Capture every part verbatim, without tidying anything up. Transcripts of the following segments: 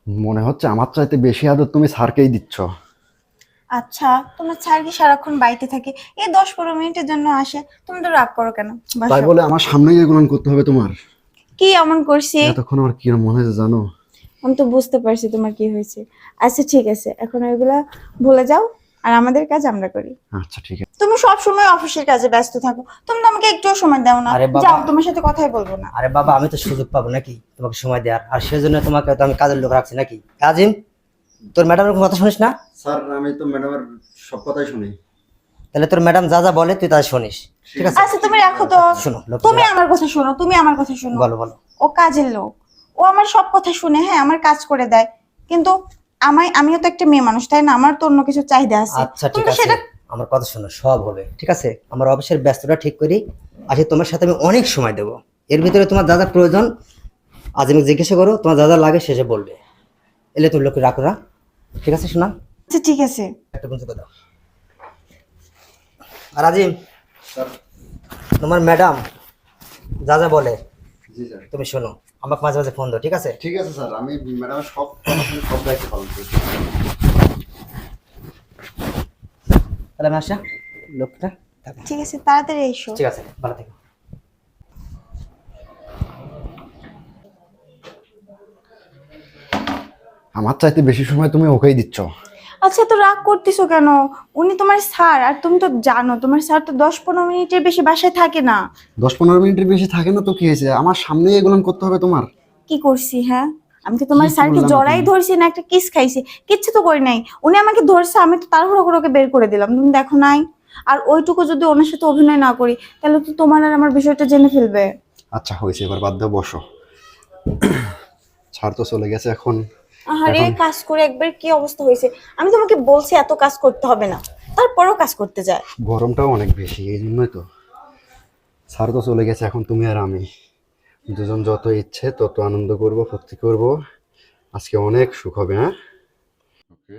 মনে হচ্ছে আমার চাইতে বেশি আদর তুমি স্যারকেই দিচ্ছ। আচ্ছা, তোমার স্যার কি সারাক্ষণ বাড়িতে থাকে? এই দশ পনেরো মিনিটের জন্য আসে, তুমি তো রাগ করো কেন? তাই বসো। বলে আমার সামনেই এগুলো করতে হবে তোমার? কি এমন করছি? এতক্ষণ আমার কি মনে হয়েছে জানো? আমি তো বুঝতে পারছি তোমার কি হয়েছে। আচ্ছা ঠিক আছে, এখন ওইগুলা ভুলে যাও, আর আমাদের কাজ আমরা করি। আচ্ছা ঠিক আছে। তুমি সব সময় অফিসের কাজে ব্যস্ত থাকো, তুমি তো আমাকে একটুও সময় দাও না। আরে বাবা, যাও, তোমার সাথে কথাই বলবো না। আরে বাবা, আমি তো সুযোগ পাবো নাকি তোমাকে সময় দেওয়ার? আর সেজন্য তোমাকে তো আমি কাজের লোক রাখছি নাকি? কাজিম, তোর ম্যাডামের কোনো কথা শুনিস না? স্যার আমি তো ম্যাডামের সব কথাই শুনি। তাহলে তোর ম্যাডাম যা যা বলে তুই তা শুনিস, ঠিক আছে? আচ্ছা তুমি রাখো তো। শোনো লোক, তুমি আমার কথা শোনো, তুমি আমার কথা শোনো। বলো বলো। ও কাজের লোক, ও আমার সব কথা শুনে, হ্যাঁ আমার কাজ করে দেয়, কিন্তু আমায় আমিও তো একটা মেয়ে মানুষ, তাই না? আমার তো অন্য কিছু চাহিদা আছে। আচ্ছা ঠিক তুমি তো আছে, সেটা আমার কথা শোনো, সব হবে ঠিক আছে। আমার অফিসের ব্যস্ততা ঠিক করি, আজকে তোমার সাথে আমি অনেক সময় দেবো। এর ভিতরে তোমার যা যা প্রয়োজন আজ আমি জিজ্ঞাসা করো, তোমার যা যা লাগে শেষে বলবে। এলে তুমি লোক রাখো না, ঠিক আছে? শোনা, আচ্ছা ঠিক আছে। একটা বন্ধু দাও। আর আজিম, স্যার। তোমার ম্যাডাম যা যা বলে জি স্যার। তুমি শোনো, আমাকে মাঝে মাঝে ফোন দাও, ঠিক আছে? ঠিক আছে স্যার, আমি ম্যাডামের সব কথা শুনে সব দায়িত্ব পালন করছি। তাহলে আমি আসা, লোকটা থাকো। ঠিক আছে, তাড়াতাড়ি এসো। ঠিক আছে, ভালো থেকো। আমার চাইতে বেশি সময় তুমি ওকেই দিচ্ছ। আচ্ছা, তো রাগ করতেছো কেন? উনি তোমার স্যার, আর তুমি তো জানো তোমার স্যার তো দশ পনেরো মিনিটের বেশি বাসায় থাকে না। দশ পনেরো মিনিটের বেশি থাকে না তো কি হয়েছে? আমার সামনেই এগুলো করতে হবে তোমার? কি করছি? হ্যাঁ, আমি কি তোমার কি স্যারকে করলাম জড়াই তুমি? ধরছি না একটা কিস খাইছি? কিচ্ছু তো করি নাই। উনি আমাকে ধরছে, আমি তো তাড়াহুড়ো করে ওকে বের করে দিলাম, তুমি দেখো নাই? আর ওইটুকু যদি ওনার সাথে অভিনয় না করি, তাহলে তো তোমার আর আমার বিষয়টা জেনে ফেলবে। আচ্ছা হয়েছে, এবার বাদ দাও, বসো। ছাড় তো চলে গেছে এখন। আরে এখন কাজ করে একবার কি অবস্থা হয়েছে! আমি তোমাকে বলছি এত কাজ করতে হবে না, তারপরেও কাজ করতে যায়। গরমটাও অনেক বেশি, এই জন্যই তো। ছাড় তো চলে গেছে, এখন তুমি আর আমি দুজন যত ইচ্ছে তত আনন্দ করব, ফুর্তি করব। আজকে অনেক সুখ হবে। হ্যাঁ, ওকে।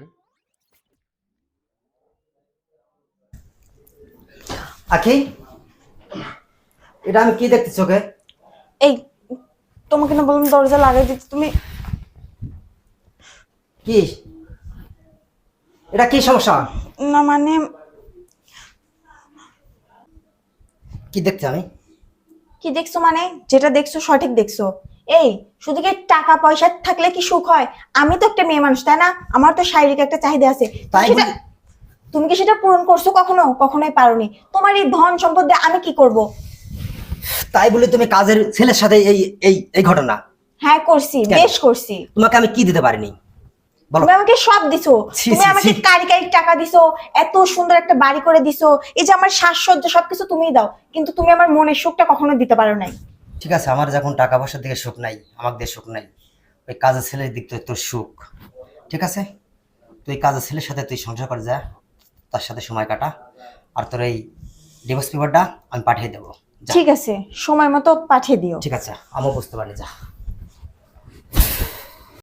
আখি, এটা আমি কি দেখতেছি চোখে? এই, তোমাকে না বললাম দরজা লাগাই দিতে, তুমি? কি এটা, কি সমস্যা? না মানে, কি দেখছি আমি? কি দেখছো মানে? যেটা দেখছো সঠিক দেখছো। এই, শুধু কি টাকা পয়সা থাকলে কি সুখ হয়? আমি তো একটা মেয়ে মানুষ, তাই না? আমার তো শারীরিক একটা চাহিদা আছে। তাই সেটা বলি- তুমি কি সেটা পূরণ করছো কখনো? কখনোই পারোনি। তোমার এই ধন সম্পদ দিয়ে আমি কি করব? তাই বলে তুমি কাজের ছেলের সাথে এই এই এই ঘটনা? হ্যাঁ করছি, কেন? বেশ করছি। তোমাকে আমি কি দিতে পারিনি বলো? তুমি আমাকে সব দিছো। ছি, তুমি ছি, আমাকে ছি। কারি কারি টাকা দিছো, এত সুন্দর একটা বাড়ি করে দিছো, এই যে আমার সাজসজ্জা সবকিছু তুমিই দাও, কিন্তু তুমি আমার মনের সুখটা কখনো দিতে পারো নাই। ঠিক আছে, আমার যখন টাকা পয়সার দিকে সুখ নাই, আমার দিকে সুখ নাই, ওই কাজের ছেলের দিক থেকে তোর সুখ। ঠিক আছে, তুই কাজের ছেলের সাথে তুই সংসার করে যা, তার সাথে সময় কাটা। আর তোর এই ডিভোর্স পেপারটা আমি পাঠিয়ে দেবো, যা। ঠিক আছে, সময় মতো পাঠিয়ে দিও। ঠিক আছে, আমিও বুঝতে পারি, যা।